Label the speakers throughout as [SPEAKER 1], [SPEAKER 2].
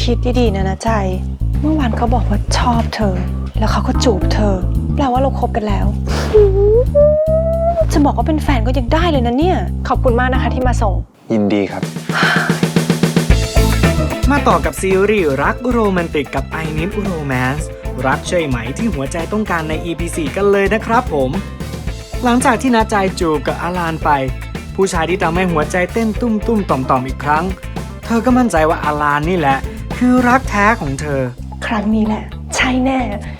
[SPEAKER 1] คิดดีๆนะใจเมื่อวานเขาบอกว่าชอบเธอแล้วเขาก็จูบเธอแปลว่าเราคบกันแล้วจะบอกว่าเป็นแฟนก็ยังได้เลยนะเนี่ยขอบคุณมากนะคะที่มาส่ง
[SPEAKER 2] ยินดีครับ
[SPEAKER 3] มาต่อกับซีรีส์รักโรแมนติกกับ I Need Romance รักใช่ไหมที่หัวใจต้องการใน EP 4 กันเลยนะครับผมหลังจากที่ณใจจูบกับอาลานไปผู้ชายที่ทำให้หัวใจเต้นตุ้มๆต่อมๆอีกครั้งเธอก็มั่นใจว่าอาลานนี่แหละคือรักแท้ของเธอ
[SPEAKER 1] ครั้งนี้แหละใช่แน่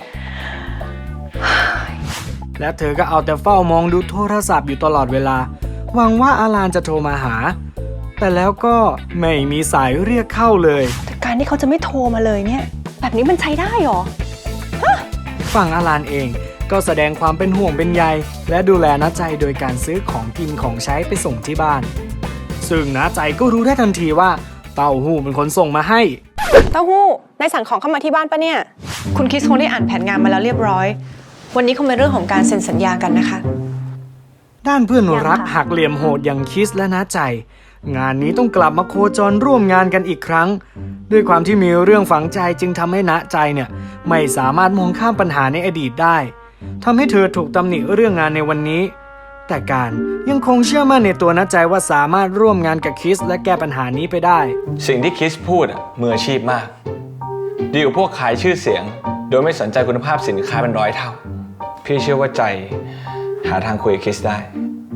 [SPEAKER 3] และเธอก็เอาแต่เฝ้ามองดูโทรศัพท์อยู่ตลอดเวลาหวังว่าอาลานจะโทรมาหาแต่แล้วก็ไม่มีสายเรียกเข้าเลย
[SPEAKER 1] แต่การที่เขาจะไม่โทรมาเลยเนี่ยแบบนี้มันใช้ได้หรอ
[SPEAKER 3] ฝั่งอาลานเองก็แสดงความเป็นห่วงเป็นใยและดูแลณใจโดยการซื้อของกินของใช้ไปส่งที่บ้านซึ่งณใจก็รู้ได้ทันทีว่าเต้าหู้เป็นคนส่งมาให้
[SPEAKER 1] เต้าหู้นายสั่งของเข้ามาที่บ้านปะเนี่ยคุณคริสคงได้อ่านแผนงานมาแล้วเรียบร้อยวันนี้คงเป็นเรื่องของการเซ็นสัญญากันนะคะ
[SPEAKER 3] ด้านเพื่อนรักหักเหลี่ยมโหดอย่างคริสและณใจงานนี้ต้องกลับมาโคจรร่วมงานกันอีกครั้งด้วยความที่มีเรื่องฝังใจจึงทำให้ณใจเนี่ยไม่สามารถมองข้ามปัญหาในอดีตได้ทำให้เธอถูกตำหนิเรื่องงานในวันนี้แต่การยังคงเชื่อมั่นในตัวณใจว่าสามารถร่วมงานกับคริสและแก้ปัญหานี้ไปได้
[SPEAKER 2] สิ่งที่คริสพูดมืออาชีพมากดีกว่าพวกขายชื่อเสียงโดยไม่สนใจคุณภาพสินค้าเป็นร้อยเท่าพี่เชื่อว่าใจหาทางคุยกับคริสได้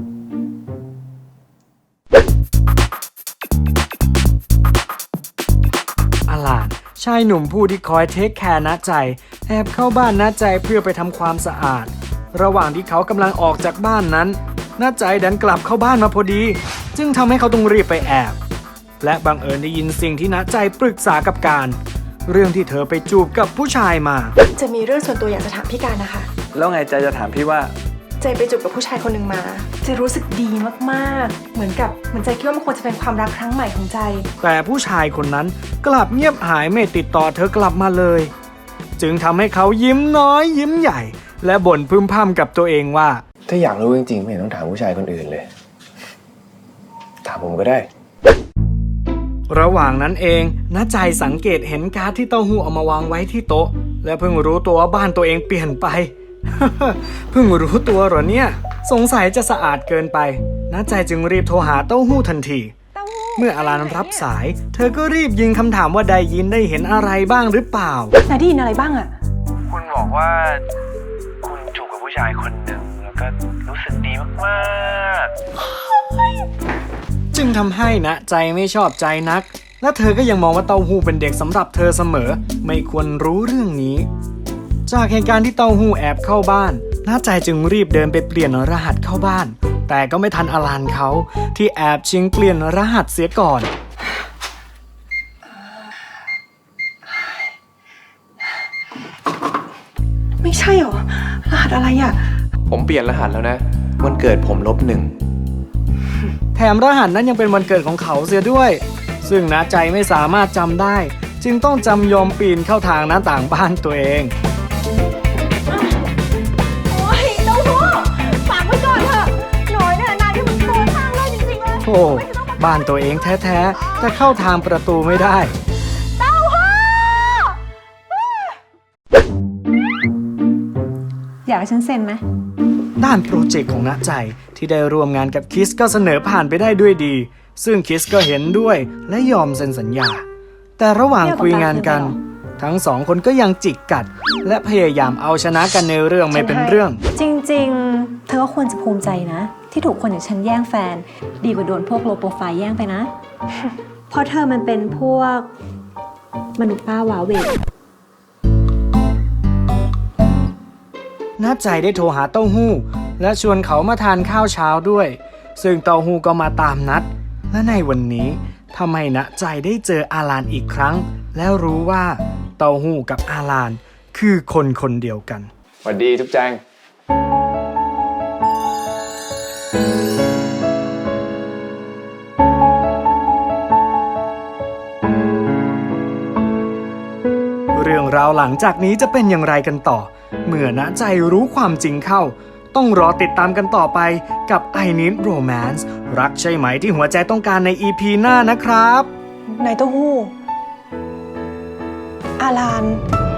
[SPEAKER 3] อาลานชายหนุ่มผู้ที่คอยเทคแคร์ณใจแอบเข้าบ้านณใจเพื่อไปทำความสะอาดระหว่างที่เขากำลังออกจากบ้านนั้นณใจดันกลับเข้าบ้านมาพอดีจึงทำให้เขาต้องรีบไปแอบและบังเอิญได้ยินสิ่งที่ณใจปรึกษากับการเรื่องที่เธอไปจูบกับผู้ชายมา
[SPEAKER 1] จะมีเรื่องส่วนตัวอยากจะถามพี่การนะคะ
[SPEAKER 2] แล้วไงใจจะถามพี่ว่า
[SPEAKER 1] ใจไปจูบกับผู้ชายคนหนึ่งมาใจรู้สึกดีมากๆเหมือนใจคิดว่ามันควรจะเป็นความรักครั้งใหม่ของใจ
[SPEAKER 3] แต่ผู้ชายคนนั้นกลับเงียบหายไม่ติดต่อเธอกลับมาเลยจึงทำให้เขายิ้มน้อยยิ้มใหญ่และบ่นพึมพำกับตัวเองว่า
[SPEAKER 2] ถ้าอยากรู้จริงๆไม่เห็นต้องถามผู้ชายคนอื่นเลยถามผมก็ได้
[SPEAKER 3] ระหว่างนั้นเองณใจสังเกตเห็นการ์ดที่เต้าหู้เอามาวางไว้ที่โต๊ะและเพิ่งรู้ตัวว่าบ้านตัวเองเปลี่ยนไป เพิ่งรู้ตัวเหรอเนี่ยสงสัยจะสะอาดเกินไปณใจจึงรีบโทรหาเต้าหู้ทันทีเมื่ออาลานรับสายเธอก็รีบยิงคำถามว่าได้ยินได้เห็นอะไรบ้างหรือเปล่าน
[SPEAKER 1] ายได้ยินอะไรบ้างอะ
[SPEAKER 4] คุณบอกว่าคุณจูบกับผู้ชายคนหนึ่งแล้วก็รู้สึกดีมาก
[SPEAKER 3] ๆจึงทำให้ณใจไม่ชอบใจนักและเธอก็ยังมองว่าเต้าหู้เป็นเด็กสำหรับเธอเสมอไม่ควรรู้เรื่องนี้จากเหตุการณ์ที่เต้าหู้แอบเข้าบ้านณใจจึงรีบเดินไปเปลี่ยนรหัสเข้าบ้านแต่ก็ไม่ทันอาลานเขาที่แอบชิงเปลี่ยนรหัสเสียก่อน
[SPEAKER 1] ไม่ใช่หรอรหัสอะไรอ่ะ
[SPEAKER 2] ผมเปลี่ยนรหัสแล้วนะวันเกิดผม-1แ
[SPEAKER 3] ถมรหัสนั้นยังเป็นวันเกิดของเขาเสียด้วยซึ่งณใจไม่สามารถจำได้จึงต้องจำยอมปีนเข้าทางหน้าต่างบ้านตัวเอง
[SPEAKER 1] โอ้ยเต้าหู้ฝากไว้ก่อนเถอะหน่อยเนี่ยนายที่มันโกงทางเลยจริงๆเลย
[SPEAKER 3] โอ้บ้านตัวเองแท้ๆแต่เข้าทางประตูไม่ได้
[SPEAKER 1] เต้าหู้อยากให้ฉันเซ็นไหม
[SPEAKER 3] ด้านโปรเจกต์ของณใจที่ได้ร่วมงานกับคริสก็เสนอผ่านไปได้ด้วยดีซึ่งคริสก็เห็นด้วยและยอมเซ็นสัญญาแต่ระหว่างคุยงานกันทั้งสองคนก็ยังจิกกัดและพยายามเอาชนะกันในเรื่องไม่เป็นเรื่อง
[SPEAKER 5] จริงๆเธอก็ควรจะภูมิใจนะที่ถูกคนอย่างฉันแย่งแฟนดีกว่าโดนพวกโลโปรไฟล์แย่งไปนะเพราะเธอมันเป็นพวกมนุษย์ป้าวาเว
[SPEAKER 3] ณใจได้โทรหาเต้าหู้และชวนเขามาทานข้าวเช้าด้วยซึ่งเต้าหู้ก็มาตามนัดและในวันนี้ทำให้ณใจได้เจออาลานอีกครั้งแล้วรู้ว่าเต้าหู้กับอาลานคือคนคนเดียวกัน
[SPEAKER 2] สวัสดีทุกแจง
[SPEAKER 3] เรื่องราวหลังจากนี้จะเป็นอย่างไรกันต่อเมื่อณใจรู้ความจริงเข้าต้องรอติดตามกันต่อไปกับ I Need Romance รักใช่ไหมที่หัวใจต้องการใน EP หน้านะครับ
[SPEAKER 1] นายเต้าหู้อาราน